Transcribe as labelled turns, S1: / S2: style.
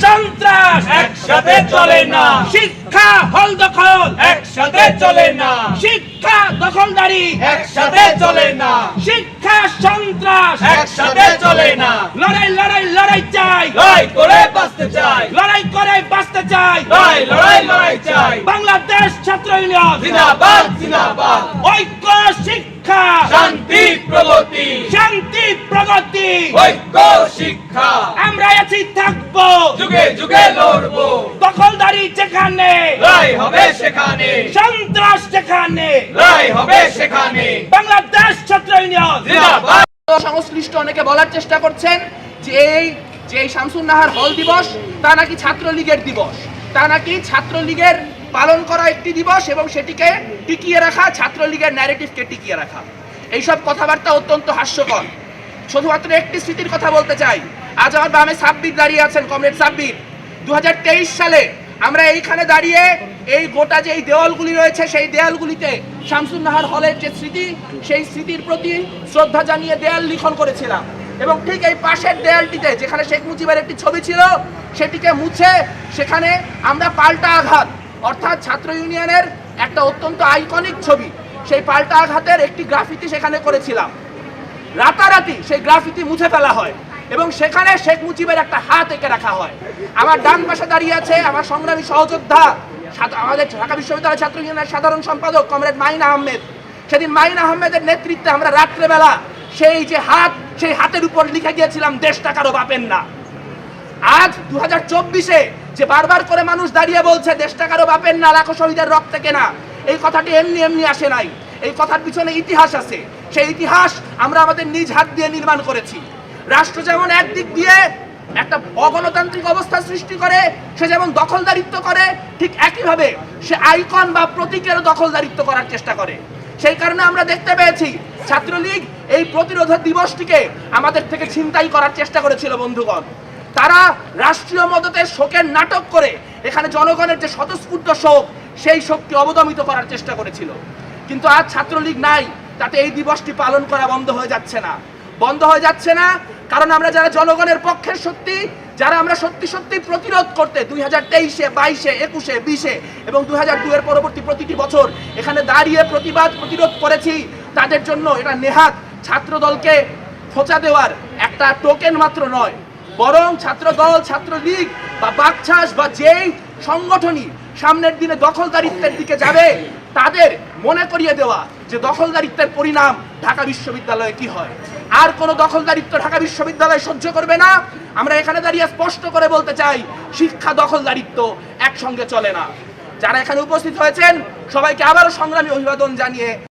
S1: সন্ত্রাস
S2: একসাথে চলে না,
S1: শিক্ষা হল দখল
S2: একসাথে চলে না,
S1: শিক্ষা দখলদারি
S2: একসাথে চলে না,
S1: শিক্ষা সন্ত্রাস
S2: একসাথে চলে না।
S1: লড়াই লড়াই লড়াই চাই,
S2: লড়াই করে বাঁচতে চাই,
S1: লড়াই করে বাঁচতে চাই।
S2: লড়াই লড়াই লড়াই চাই।
S1: বাংলাদেশ ছাত্র ইউনিয়ন
S2: জিন্দাবাদ জিন্দাবাদ,
S1: ঐক্য শিক্ষা
S2: শান্তি প্রগতি,
S1: শান্তি প্রগতি।
S2: ঐক্য শিক্ষা,
S1: আমরা আছি থাকবো,
S2: যুগে যুগে লড়বো,
S1: দখলদারি যেখানে,
S2: লড়াই হবে সেখানে,
S1: সন্ত্রাস যেখানে,
S2: লড়াই হবে সেখানে।
S1: বাংলাদেশ ছাত্র ইউনিয়ন
S2: জিন্দাবাদ।
S3: সংশ্লিষ্ট অনেকে বলার চেষ্টা করছেন যে এই শামসুন নাহার হল দিবস তা নাকি ছাত্রলীগের দিবস, তা নাকি ছাত্রলীগের পালন করা একটি দিবস এবং সেটিকে টিকিয়ে রাখা, ছাত্রলীগের ন্যারেটিভকে টিকিয়ে রাখা। এইসব কথাবার্তা অত্যন্ত হাস্যকর। শুধুমাত্র একটি স্মৃতির কথা বলতে চাই। আজ আমার বামে সাব্বির দাঁড়িয়ে আছেন, কমরেড সাব্বির। 2023 সালে আমরা এইখানে দাঁড়িয়ে এই গোটা যে এই দেওয়ালগুলি রয়েছে সেই দেওয়ালগুলিতে শামসুন নাহার হলের যে স্মৃতি, সেই স্মৃতির প্রতি শ্রদ্ধা জানিয়ে দেয়াল লিখন করেছিলাম। এবং ঠিক এই পাশের দেয়ালটিতে যেখানে শেখ মুজিবের একটি ছবি ছিল সেটিকে মুছে সেখানে আমরা পাল্টা আঘাত, অর্থাৎ ছাত্র ইউনিয়নের একটা অত্যন্ত আইকনিক ছবি, সেই পাল্টা আঘাতের একটি গ্রাফিতি সেখানে করেছিলাম। রাতারাতি সেই গ্রাফিতি মুছে ফেলা হয় এবং সেখানে শেখ মুজিবের একটা হাত এঁকে রাখা হয়। আমার ডান পাশে দাঁড়িয়ে আছে আমার সংগ্রামী সহযোদ্ধা, আমাদের ঢাকা বিশ্ববিদ্যালয় ছাত্র ইউনিয়নের সাধারণ সম্পাদক কমরেড মাইন আহমেদ। সেদিন মাইন আহমেদের নেতৃত্বে আমরা রাত্রেবেলা সেই যে হাত, সেই হাতের উপর লিখে গিয়েছিলাম দেশটা কারো বাপের না। আজ 2024-এ যে বারবার করে মানুষ দাঁড়িয়ে বলছে দেশটা কারো বাপের না, লাখো শহীদের রক্তে কেনা, এই কথাটি এমনি এমনি আসে নাই। এই কথার পিছনে ইতিহাস আছে। সেই ইতিহাস আমরা আমাদের নিজ হাত দিয়ে নির্মাণ করেছি। রাষ্ট্র যেমন একদিক দিয়ে একটা অগণতান্ত্রিক অবস্থা সৃষ্টি করে, সে যেমন দখলদারিত্ব করে, ঠিক একইভাবে সে আইকন বা প্রতীকের দখলদারিত্ব করার চেষ্টা করে। সেই কারণে আমরা দেখতে পেয়েছি ছাত্রলীগ এই প্রতিরোধ দিবসটিকে আমাদের থেকে ছিনতাই করার চেষ্টা করেছিল। বন্ধুগণ, তারা রাষ্ট্রীয় মদতে শোকের নাটক করে এখানে জনগণের যে স্বতঃস্ফূর্ত শোক, সেই শোককে অবদমিত করার চেষ্টা করেছিল। কিন্তু আজ ছাত্রলীগ নাই, তাতে এই দিবসটি পালন করা বন্ধ হয়ে যাচ্ছে না। বন্ধ হয়ে যাচ্ছে না কারণ আমরা যারা জনগণের পক্ষের শক্তি, যারা আমরা সত্যি সত্যি প্রতিরোধ করতে 2023-এ, 22-এ, 21-এ, 20-এ এবং 2002-এর পরবর্তী প্রতিটি বছর এখানে দাঁড়িয়ে প্রতিরোধ করেছি, তাদের জন্য এটা নেহাত ছাত্রদলকে খোঁচা দেওয়ার একটা টোকেন মাত্র নয়, বরং ছাত্রদল, ছাত্রলীগ বা বাকছাস বা যেই সংগঠনই সামনের দিনে দখলদারিত্বের দিকে যাবে তাদের মনে করিয়ে দেওয়া যে দখলদারিত্বের পরিণাম ঢাকা বিশ্ববিদ্যালয়ে কি হয়। আর কোনো দখলদারিত্ব ঢাকা বিশ্ববিদ্যালয় সহ্য করবে না। আমরা এখানে দাঁড়িয়ে স্পষ্ট করে বলতে চাই, শিক্ষা দখলদারিত্ব একসঙ্গে চলে না। যারা এখানে উপস্থিত হয়েছেন সবাইকে আবারও সংগ্রামী অভিবাদন জানিয়ে